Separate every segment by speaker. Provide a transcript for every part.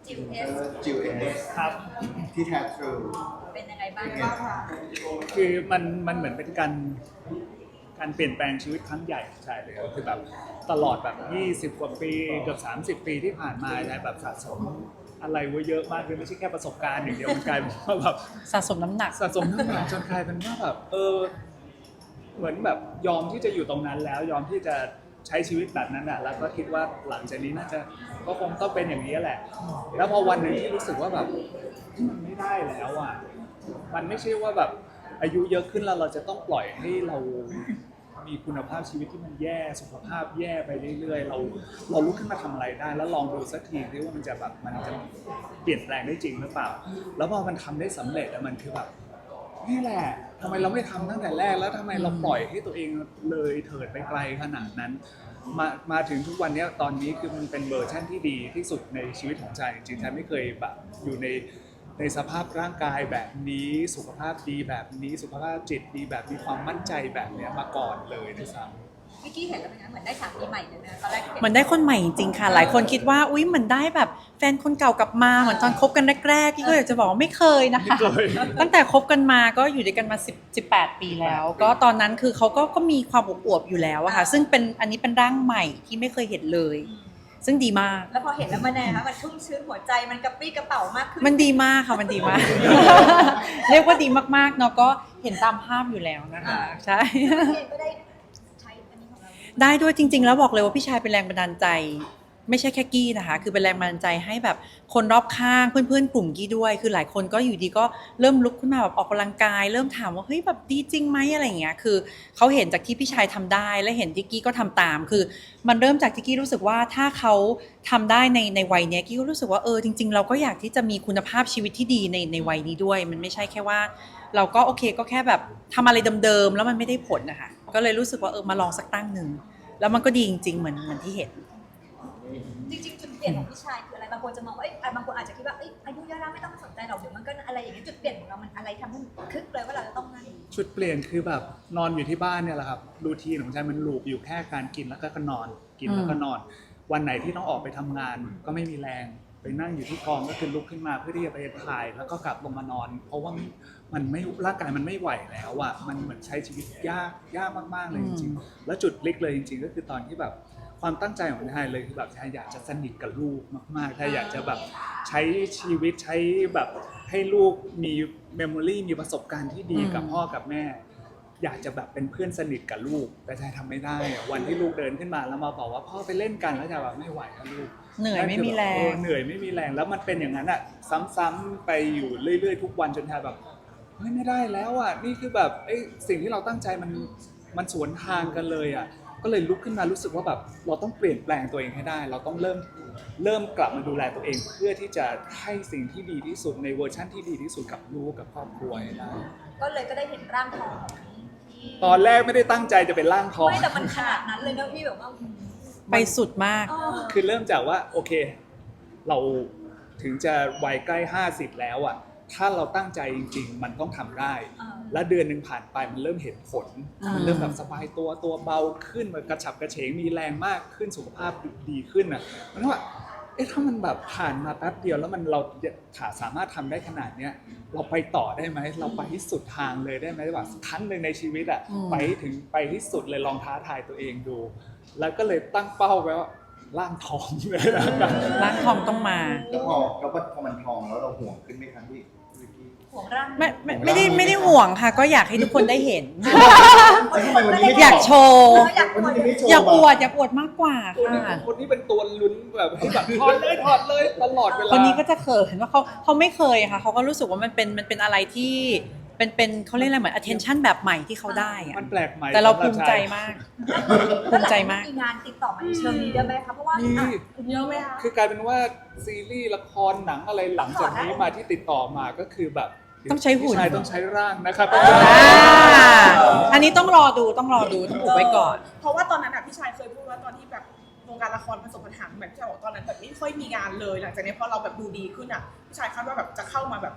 Speaker 1: จิวเอส
Speaker 2: ครับ
Speaker 3: ที่แท้ทรู
Speaker 1: เป็นยังไงบ้างคะ
Speaker 2: คือมันเหมือนเป็นการเปลี่ยนแปลงชีวิตครั้งใหญ่ใช่เลยครับคือแบบตลอดแบบ20 กว่าปีเกือบ30 ปีที่ผ่านมาใช่แบบสะสมอะไรไว้เยอะมากเลยไม่ใช่แค่ประสบการณ์อย่างเดียวมันกลายเป็นว่าแบบ
Speaker 4: สะสมน้ำหนัก
Speaker 2: สะสมน้ำหนักจนกลายเป็นว่าแบบเหมือนแบบยอมที่จะอยู่ตรงนั้นแล้วยอมที่จะใช้ชีวิตแบบนั้นอ่ะแล้วก็คิดว่าหลังจากนี้น่าจะก็คงต้องเป็นอย่างนี้แหละแล้วพอวันหนึ่งที่รู้สึกว่าแบบมันไม่ได้แล้วอ่ะมันไม่ใช่ว่าแบบอายุเยอะขึ้นแล้วเราจะต้องปล่อยให้เรามีคุณภาพชีวิตที่มันแย่สุขภาพแย่ไปเรื่อยๆเราลุกขึ้นมาทำอะไรได้แล้วลองดูสักทีดิว่ามันจะเปลี่ยนแปลงได้จริงหรือเปล่าแล้วพอมันทำได้สำเร็จแล้วมันคือแบบนี่แหละทำไมเราไม่ทำตั้งแต่แรกแล้วทำไมเราปล่อยให้ตัวเองเลยเถิดไปไกลขนาดนั้นมาถึงทุกวันนี้ตอนนี้คือมันเป็นเวอร์ชันที่ดีที่สุดในชีวิตของใจจริงๆแทบไม่เคยแบบอยู่ในสภาพร่างกายแบบนี้สุขภาพดีแบบนี้สุขภาพจิตดีแบบมีความมั่นใจแบบนี้มาก่อนเลยด้วยซ้ำ
Speaker 1: เมื่อกี้เห็นแล้วเป็นไงเหมือนได้สามีใหม่เลยนะตอนแรก
Speaker 4: เหมือนได้คนใหม่จริงๆค่ะหลายคนคิดว่าอุ๊ยเหมือนได้แบบแฟนคนเก่ากลับมาเหมือนตอนคบกันแรกๆพี่ก็อยากจะบอกว่าไม่เคยนะคะ
Speaker 2: ไม่เคย
Speaker 4: ตั้งแต่คบกันมาก็อยู่ด้วยกันมา18 ปีแล้ว ก็ตอนนั้นคือเขาก็มีความอวบๆอยู่แล้วอะค่ะซึ่งอันนี้เป็นร่างใหม่ที่ไม่เคยเห็นเลย ซึ่งดีมาก
Speaker 1: แล้วพอเห็นแล้วมันไงคะมันชุ่มชื้นหัวใจมันกระปรี้กระเป๋ามากขึ้น
Speaker 4: มันดีมากค่ะมันดีมาก เรียกว่าดีมากๆเนาะก็เห็นตามภาพอยู่แล้วนะคะใช่
Speaker 1: พี่เองก็ได้ใช้อันนี้ของเรา
Speaker 4: ได้ด้วยจริงๆแล้วบอกเลยว่าพี่ชายเป็นแรงบันดาลใจ ไม่ใช่แค่กี้นะคะคือเป็นแรงบันดาลใจให้แบบคนรอบข้างเพื่อนๆกลุ่มกี้ด้วยคือหลายคนก็อยู่ดีก็เริ่มลุกขึ้นมาแบบออกกำลังกายเริ่มถามว่าเฮ้ยแบบดีจริงไหมอะไรอย่างเงี้ยคือเขาเห็นจากที่พี่ชายทำได้และเห็นที่กี้ก็ทำตามคือมันเริ่มจากที่กี้รู้สึกว่าถ้าเขาทำได้ในวัยเนี้ยกี้ก็รู้สึกว่าจริงๆเราก็อยากที่จะมีคุณภาพชีวิตที่ดีในวัยนี้ด้วยมันไม่ใช่แค่ว่าเราก็โอเคก็แค่แบบทำอะไรเดิมๆแล้วมันไม่ได้ผลนะคะก็เลยรู้สึกว่ามาลองสักตั้งหนึ่งแล้วมันก็ดีจริงๆเหมือนที่เห็น
Speaker 1: จริงๆจุดเปลี่ยนของพี่ชายคืออะไรบางคนจะมองว่าบางคนอาจจะคิดว่าอายุเยอะแล้วไม่ต้องสนใจหรอกเดี๋ยวมันก็อะไรอย่างเงี้ยจุดเปลี่ยนของเรามันอะไรทำให้คึกเลยว่าเราจะต้องนั่น
Speaker 2: ชุดเปลี่ยนคือแบบนอนอยู่ที่บ้านเนี่ยแหละครับรูทีนของฉันมันลูปอยู่แค่การกินแล้วก็นอนกินแล้วก็นอน วันไหนที่ต้องออกไปทำงานก็ไม่มีแรงไปนั่งอยู่ที่กองก็คือลุกขึ้นมาเพื่อที่จะไปถ่ายแล้วก็กลับลงมานอน เพราะว่ามันไม่ร่างกายมันไม่ไหวแล้วอ่ะมันเหมือนใช้ชีวิตยากมากๆเลยจริงๆแล้วจุดพลิกเลยจริงๆก็คือตอนที่แบบความตั้งใจของไทยเลยคือแบบไทยอยากจะสนิทกับลูกมากๆไทยอยากจะแบบใช้ชีวิตใช้แบบให้ลูกมีเมมโมรีมีประสบการณ์ที่ดีกับพ่อกับแม่อยากจะแบบเป็นเพื่อนสนิทกับลูกแต่ไทยทำไม่ได้อะวันที่ลูกเดินขึ้นมาแล้วมาบอกว่าพ่อไปเล่นกันแล้วจะแบบไม่ไหวแล้วลูก
Speaker 4: เหนื่อยไม่มีแรง
Speaker 2: เหนื่อยไม่มีแรงแล้วมันเป็นอย่างนั้นอ่ะซ้ำๆไปอยู่เรื่อยๆทุกวันจนไทยแบบเฮ้ยไม่ได้แล้วอ่ะนี่คือแบบสิ่งที่เราตั้งใจมันสวนทางกันเลยอ่ะก็เลยลุกขึ้นมารู้สึกว่าแบบเราต้องเปลี่ยนแปลงตัวเองให้ได้ เราต้องเริ่มกลับมาดูแลตัวเองเพื่อที่จะให้สิ่งที่ดีที่สุดในเวอร์ชั่นที่ดีที่สุดกับลูกกับครอบครัวให้ได้
Speaker 1: ก็เลยก็ได้เห็นร่างทองของที่
Speaker 2: ตอนแรกไม่ได้ตั้งใจจะเป็นร่างทอง
Speaker 1: ไม่แต่มันขนาดนั้นเลยนะพี่แบบว่า
Speaker 4: ไปสุดมาก
Speaker 2: คือเริ่มจากว่าโอเคเราถึงจะวัยใกล้50แล้วอ่ะถ้าเราตั้งใจจริงๆมันต้องทำได้ และเดือนหนึ่งผ่านไปมันเริ่มเห็นผลมันเริ่มแบบสบายตัวเบาขึ้นมันกระฉับกระเฉงมีแรงมากขึ้นสุขภาพดีขึ้นอ่ะมันว่าถ้ามันแบบผ่านมาแป๊บเดียวแล้วเราสามารถทำได้ขนาดเนี้ยเราไปต่อได้ไหมเราไปที่สุดทางเลยได้ไหมว่าครั้งหนึ่งในชีวิตอ่ะไปที่สุดเลยลองท้าทายตัวเองดู แล้วก็เลยตั้งเป้าไว้ว่าร่างทองเลยนะ
Speaker 4: ร้านทองต้องมา
Speaker 3: แล้วพอมันทองแล้วเราห่วงขึ้นไหมครับพี่
Speaker 1: ห่วงร่าง
Speaker 4: ไม่ได้ห่วงค่ะ ก็อยากให้ทุกคนได้เห็น
Speaker 3: ทำไมวันนี้ไม่
Speaker 4: อยากโชว์
Speaker 3: วันนี้ไม่โชว์
Speaker 4: อยากอวดมากกว่าค่ะ
Speaker 2: คนนี้เป็นตัวลุ้นแบบให้แบบถอดเลยตลอดเวลา
Speaker 4: คนนี้ก็จะเขินว่าเขาไม่เคยค่ะเขาก็รู้สึกว่ามันเป็นอะไรที่เป็นเขาเรียกอะไรเหมือน attention แบบใหม่ที่เขาได้อะ
Speaker 2: มันแปลกใหม่
Speaker 4: แต่เราภูมิใจมาก ภูมิใจมาก
Speaker 1: มีงานติดต่อมาในเชิงนี้ได้ไหมคะเพราะว่าเยอะไหมคะ
Speaker 2: คือกลายเป็นว่าซีรีส์ละครหนังอะไรหลังจากนี้มาที่ติดต่อมาก็คือแบบ
Speaker 4: ต้องใช้หุ่น
Speaker 2: พี่ชายต้องใช้ร่างนะครับ
Speaker 4: อันนี้ต้องรอดูต้องอุบไว้ก่อน
Speaker 5: เพราะว่าตอนนั้นพี่ชายเคยพูดว่าตอนที่แบบวงการละครประสบปัญหาแบบที่บอกตอนนั้นแบบไม่ค่อยมีงานเลยหลังจากนี้พอเราแบบดูดีขึ้นพี่ชายคาดว่าแบบจะเข้ามาแบบ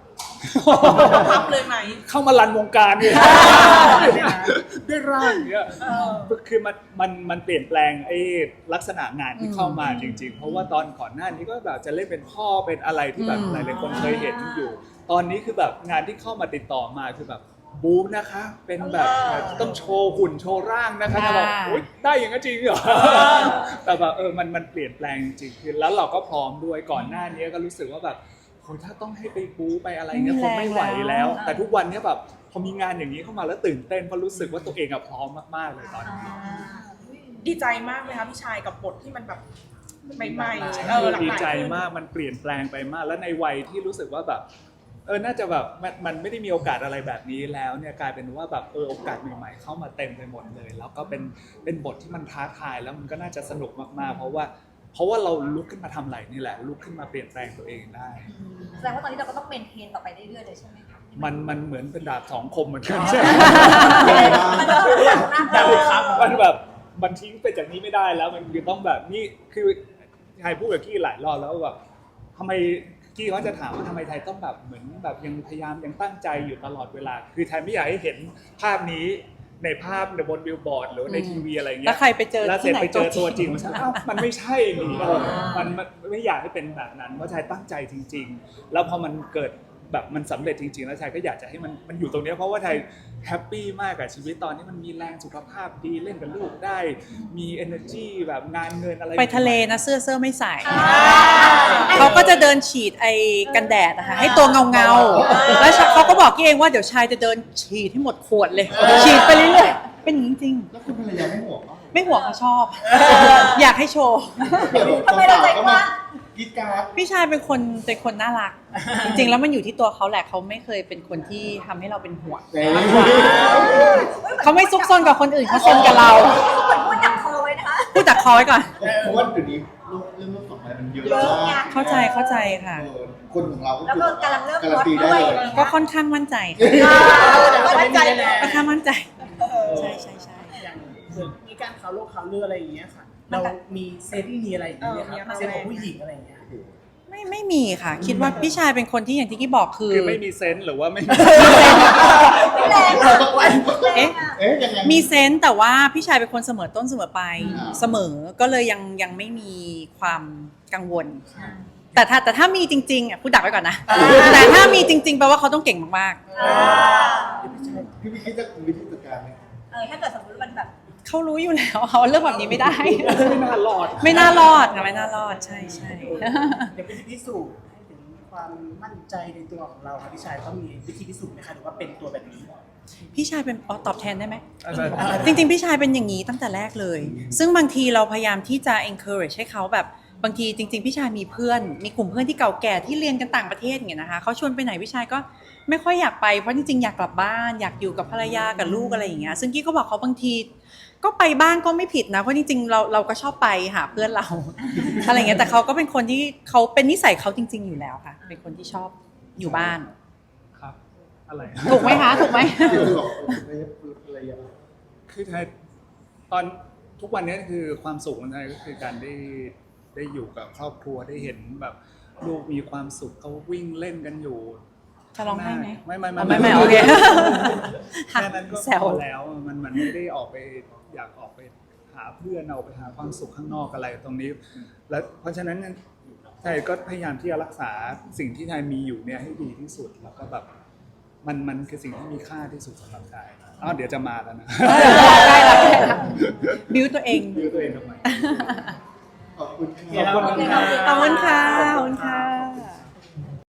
Speaker 5: พับเลยไหม
Speaker 2: เข้ามารันวงการเนี่ยด้วยร่างเนี่ย คือมันเปลี่ยนแปลงไอ้ลักษณะงานที่เข้ามาจริงๆ เพราะว่าตอนก่อนหน้านี้ก็แบบจะเล่นเป็นพ่อเป็นอะไรที่แบบหลายๆคนเคยเห็นอยู่ ตอนนี้คือแบบงานที่เข้ามาติดต่อมาคือแบบบู๊นะคะ เป็นแบบต้องโชว์หุ่นโชว์ร่างนะคะแต่แบบอุ๊ยได้อย่างนั้นจริงเหรอแต่แบบมันเปลี่ยนแปลงจริงๆคือแล้วเราก็พร้อมด้วยก่อนหน้านี้ก็รู้สึกว่าแบบโหถ้าต้องให้ไปบู๊ไปอะไรเงี้ยคงไม่ไหวแล้ว แต่ทุกวันนี้แบบพอมีงานอย่างนี้เข้ามาแล้วตื่นเต้นเพราะรู้สึกว่าตัวเองพร้อมมากๆเลยตอนนี้
Speaker 5: ดีใจมากไหมคะพี่ชายกับบทที่มันแบบใหม่ๆหลากหลาย
Speaker 2: ดีใจ
Speaker 5: ขึ้น
Speaker 2: มากมันเปลี่ยนแปลงไปมาก แล้วในวัยที่รู้สึกว่าแบบน่าจะแบบมันไม่ได้มีโอกาสอะไรแบบนี้แล้วเนี่ยกลายเป็นว่าแบบโอกาสใหม่ๆเข้ามาเต็มไปหมดเลย แล้วก็เป็นบทที่มันท้าทายแล้วมันก็น่าจะสนุกมากๆเพราะว่าเราลุกขึ้นมาทำอะไรนี่แหละลุกขึ้นมาเปลี่ยนแปลงตัวเองได้
Speaker 1: แสดงว่าตอนนี้เราก็ต้องเมนเทนต่อไปเรื่อยๆเลยใช่ไหมคะ
Speaker 2: มันเหมือนเป็นดาบสองคมเหมือนกันใช่ไหม
Speaker 1: มันก็
Speaker 2: มันแบบมันทิ้งไปจากนี้ไม่ได้แล้วมันคือต้องแบบนี่คือไทยพูดกับกี้หลายรอบแล้วแบบทำไมกี้เขาจะถามว่าทำไมไทยต้องแบบเหมือนแบบยังพยายามยังตั้งใจอยู่ตลอดเวลาคือไทยไม่อยากให้เห็นภาพนี้ในภาพในบนบิลบอร์ดหรือในทีวีอะไรเงี้ย
Speaker 4: แล้วใครไปเจอ
Speaker 2: แล้วเสร็
Speaker 4: ที่
Speaker 2: จ
Speaker 4: ไหน
Speaker 2: ไปเจอตัวจริง
Speaker 4: ตัว
Speaker 2: มันมันไม่ใช่นี่มันไม่อยากให้เป็นแบบนั้นเพราะไทยตั้งใจจริง ๆ แล้วพอมันเกิดแบบมันสำเร็จจริงๆแล้วไทยก็อยากจะให้มันอยู่ตรงนี้เพราะว่าไทยแฮปปี้มากกับชีวิตตอนนี้มันมีแรงสุขภาพดีเล่นกับลูกได้มี energy แบบงานเงินอะไร
Speaker 4: ไปทะเลนะเสื้อไม่ใส่เขาก็จะเดินฉีดไอ้กันแดดนะคะให้ตัวเงาๆแล้วเขาก็บอกกี้เองว่าเดี๋ยวชายจะเดินฉีดให้หมดขวดเลยฉีดไปเรื่อยๆเป็นอย่างนี้จริง
Speaker 3: แล้วคุณภรรยาไม่ห่วงเหรอ
Speaker 4: ไม่ห่วงเขาชอบ อยากให้โชว์
Speaker 1: ทำไมเราใจกว้าง
Speaker 3: กิดการ์ด
Speaker 4: พี่ชายเป็นคนน่ารัก จริงๆแล้วมันอยู่ที่ตัวเขาแหละเขาไม่เคยเป็นคนที่ทำให้เราเป็นห่วง
Speaker 3: เอ้ย
Speaker 4: เขาไม่ซุกซนกับคนอื่นเขาซนกับเรา
Speaker 1: เหมือนพูดดักคอไว้นะคะ
Speaker 4: พูดจากคอไว้ก่อน
Speaker 3: เพราะว่าเดี๋ยวนี้เรื่องสองอะไรมันเยอะมาก
Speaker 4: เข้าใจค่ะ
Speaker 3: คนของเราก็
Speaker 1: แล้วก็กำลังเริ่ม
Speaker 3: การันตี
Speaker 1: ลดด้
Speaker 3: ได้
Speaker 1: วย
Speaker 3: เลย
Speaker 4: ก็ค่อนข้างมั่นใจ
Speaker 1: มั่นใจเลย
Speaker 4: ค่อนข้างมั่นใจใช่
Speaker 6: อย่างมีการข่าวโลกข่าวเรืออะไรอย่างเงี้ยค่ะ เรามีเซฟที่มีอะไรอย่างเงี้ยครับเซฟของผู้หญิงอะไรอย่างเงี้ย
Speaker 4: ไม่มีค่ะ คิดว่าพี่ชายเป็นคนที่อย่างที่กี้บอกคือ
Speaker 2: คือไม่มีเซนส์หรือว่าไม่มี
Speaker 1: แรงอะแรงอะ
Speaker 3: เอ๊ะยังไง
Speaker 4: มีเซนส์แต่ว่าพี่ชายเป็นคนเสมอต้นเสมอปลาย
Speaker 3: อ่า
Speaker 4: เสมอก็เลยยังไม่มีความกังวล แต่ถ้ามีจริงๆอ่ะพูดดักไว้ก่อนนะ แต่ถ้ามีจริงๆแปลว่าเขาต้องเก่งมาก
Speaker 3: พี่คิดจะวิธีจัดการไหม
Speaker 1: ถ้าเกิดสมมติมันแบบ
Speaker 4: ๆเขารู้อยู่แล้วเขาเรื่องแบบนี้ไม่ได้
Speaker 2: ไม่น่ารอด
Speaker 4: ไม่น่ารอดค่ะไม่น่ารอดใช่
Speaker 6: เดี๋ยวเป็นพิสูจน์ให้ถึงความมั่นใจในตัวของเราครับพี่ชายต้องมีวิธีพิสูจน์ไหมคะหรือว่าเป็นตัวแบบนี้
Speaker 4: พี่ชายเป็นตอบแทนได้ไหม
Speaker 2: อะไร
Speaker 4: จริงๆพี่ชายเป็นอย่างนี้ตั้งแต่แรกเลย ซึ่งบางทีเราพยายามที่จะ encourage ให้เขาแบบบางทีจริงๆพี่ชายมีเพื่อนมีกลุ่มเพื่อนที่เก่าแก่ที่เรียนกันต่างประเทศอย่างเงี้ยนะคะเขาชวนไปไหนพี่ชายก็ไม่ค่อยอยากไปเพราะจริงๆอยากกลับบ้านอยากอยู่กับภรรยากับลูกอะไรอย่างเงี้ยซึ่งกี้ก็บอกเขาบางทีก็ไปบ้างก็ไม่ผิดนะเพราะจริงๆเราก็ชอบไปหาเพื่อนเรา อะไรอย่างเงี้ยแต่เขาก็เป็นคนที่เขาเป็นนิสัยเขาจริง ๆอยู่แล้วค่ะเป็นคนที่ชอบอยู่บ้าน
Speaker 2: ครับอะไร
Speaker 4: ถูกไหมคะถูกไหม
Speaker 3: ที่เราบอกอะไรอย่าง
Speaker 2: คือไทยตอนทุกวันนี้คือความสุขของไทยก็คือการได้อยู่กับครอบครัวได้เห็นแบบลูกมีความสุขเขาวิ่งเล่นกันอยู่
Speaker 4: จะร้องไห้ไหม
Speaker 2: ไม่
Speaker 4: ไม่โอเค
Speaker 2: แค่นั้นก็
Speaker 4: แซว
Speaker 2: พอแล้วมันไม่ได้ออกไปอยากออกไปหาเพื่อนเอาไปหาความสุขข้างนอกอะไรตรงนี้ แล้วเพราะฉะนั้นไทยก็พยายามที่จะรักษาสิ่งที่ไทยมีอยู่เนี่ยให้ดีที่สุดแล้วก็แบบมันคือสิ่งที่มีค่าที่สุดสำหรับไทยเดี๋ยวจะมาแล้วนะ
Speaker 4: ได้ละบิวตัวเอง
Speaker 2: ดูตัวเองทำไม
Speaker 3: ขอบคุณ
Speaker 6: ขอบคุณค่ะ
Speaker 4: ขอบคุณค่ะขอบคุณค่ะ